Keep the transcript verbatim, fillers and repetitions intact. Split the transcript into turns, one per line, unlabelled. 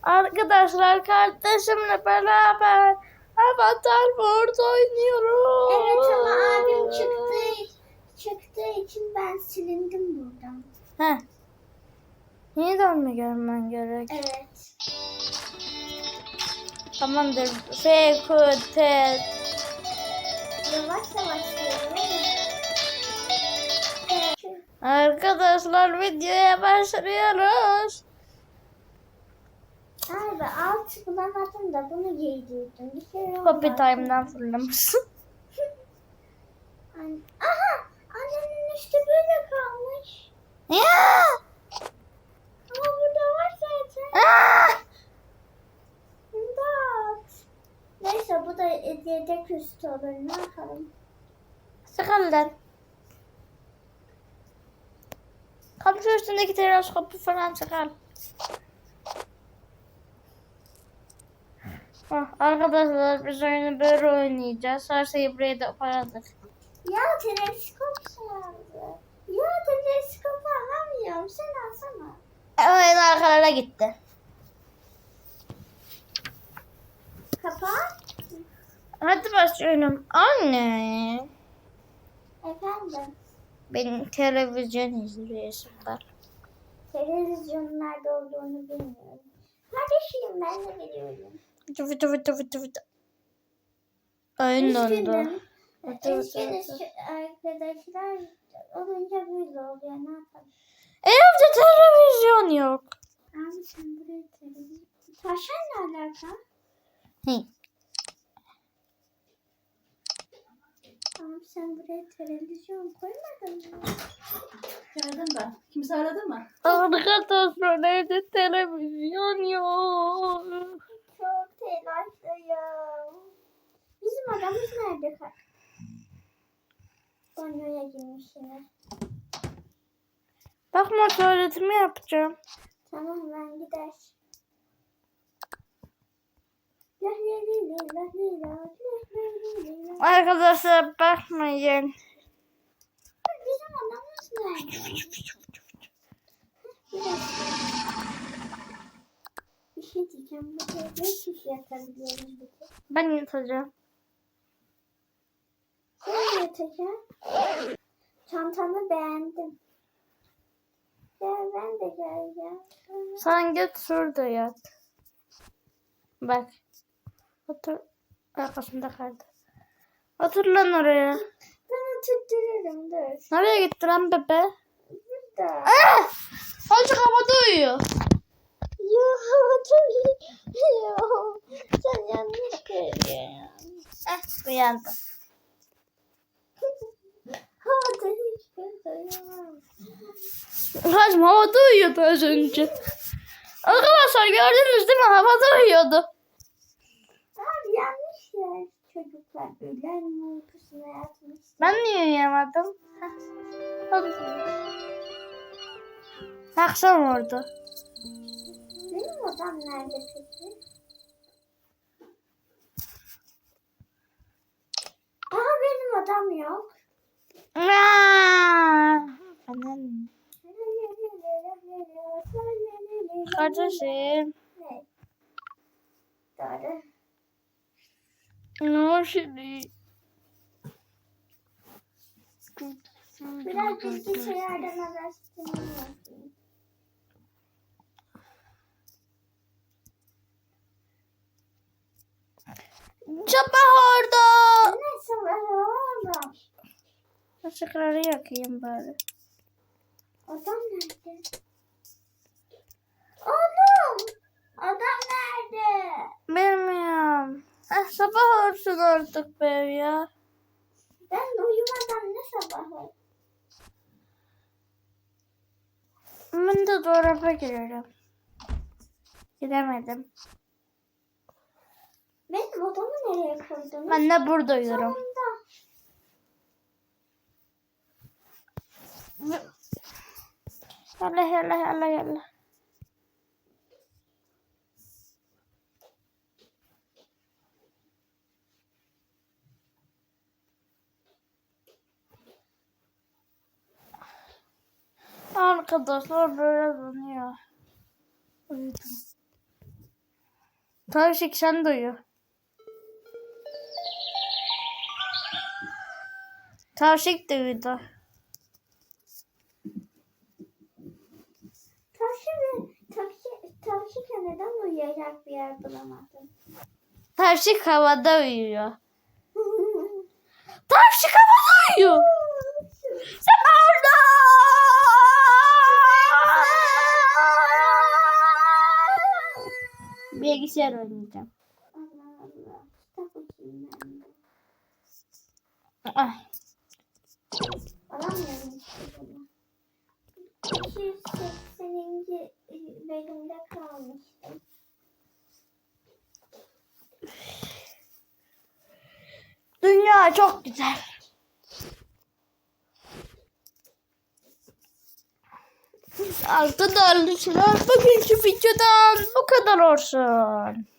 Arkadaşlar kardeşimle beraber Avatar World oynuyoruz.
Evet ama abim çıktı, çıktığı için ben silindim buradan.
Heh. Yeniden mi görmen gerek?
Evet.
Tamamdır. F, Q, T.
Yavaş yavaş geliyor.
Arkadaşlar videoya başlıyoruz.
Abi alt bulamadım da bunu giydirdim. Bir kere
Copy
olmaz.
time'dan fırlamışsın.
An- Aha! Annemin üstü böyle kalmış.
Ya!
Ama burada var zaten.
Aa!
İmdat. Neyse bu da yedek üstü olur. Ne yapalım?
Sıkıldın. Komşu üstündeki teleskopu falan çıkar. Ah, arkadaşlar biz oyunu böyle oynayacağız. Her şeyi buraya da paradık.
Ya teleskop çaldı. Ya teleskopu alamıyorum. Sen alsana.
Oyun arkalara gitti.
Kapat.
Hadi başlayalım. Anne.
Efendim.
Benim televizyon izliyorsun var.
Televizyonun nerede olduğunu bilmiyorum. Kardeşim ben de biliyorum.
Fıtı fıtı fıtı fıtı fıtı. Oyun dondu.
Üzgünüm.
Fıtı fıtı
Üzgünüz
fıtı.
şu arkadaşlar olunca böyle oluyor. Ne yapalım?
Evde televizyon yok.
Abi sen buraya televizyon... Taşan ne alaka?
Hı.
Abi sen buraya televizyon koymadın mı?
Aradım ben. Kimse aradı mı?
Arkadaşlar evde televizyon yok.
Çok telaşlıyım. Bizim adamız nerede? Banyoya girmiş yine.
Bakma tuvaletimi yapacağım.
Tamam ben gider. La la la la la la la la la.
Arkadaşlar bakmayın.
Bizim adamız nerede? Bir dakika. Bir şey diyeceğim. Bu ne kişi yatabiliyoruz bir tek?
Ben yatacağım.
Sen yatacağım. Çantanı beğendim. Gel ben de geleceğim.
Sen git şurada yat. Bak. Otur. Arkasında kaldı. Otur lan oraya.
Ben oturturum dur.
Nereye gitti lan bebe?
Burada.
Ah! Azıcık havada uyuyor.
Yo oturuyor. Sen yanlış görüyorsun.
Eh uyandı.
Havada hiç görüyorum.
Kaçım havada uyuyordu az önce. Arkadaşlar gördünüz değil mi? Havada uyuyordu.
Abi yanlış yer. Çocuklar öğlen uykusuna yatmış.
Ben niye uyuyamadım? Akşam oldu.
Benim odam nerede peki? Aa benim odam yok.
Aa! Anam. Kardeşim.
Ne? Doğru.
Ne var şimdi?
Biraz bilgisayardan araştırma yapayım.
Sabah orada.
Nasıl var oğlum?
Işıkları yakayım bari.
Adam nerede? Oğlum! Adam nerede?
Bilmiyorum. Eh, sabah olsun artık be ya.
Ben uyumadan ne sabahı?
Ben de dolaba girerim. Giremedim.
Benim odamı nereye koydunuz?
Ben de burada uyuyorum.
Sonunda.
Yalla yalla yalla yalla. Arkadaşlar böyle dönüyor. Uyudum. Tavşik sen de uyu. Tavşik de uyudu.
Tavşan, tavşan, tavşan neden uyuyacak bir yer bulamadım?
Tavşik havada uyuyor. Tavşik havada uyuyor. Sen orada. Bilgisayar oynayacağım.
Allah Allah. Kitap okuyayım ben de.
Ay.
Alamıyorum işte bunu. iki yüz sekseninci bölümde kalmıştım.
Dünya çok güzel. Arkadaşlar bugünkü videodan bu kadar olsun.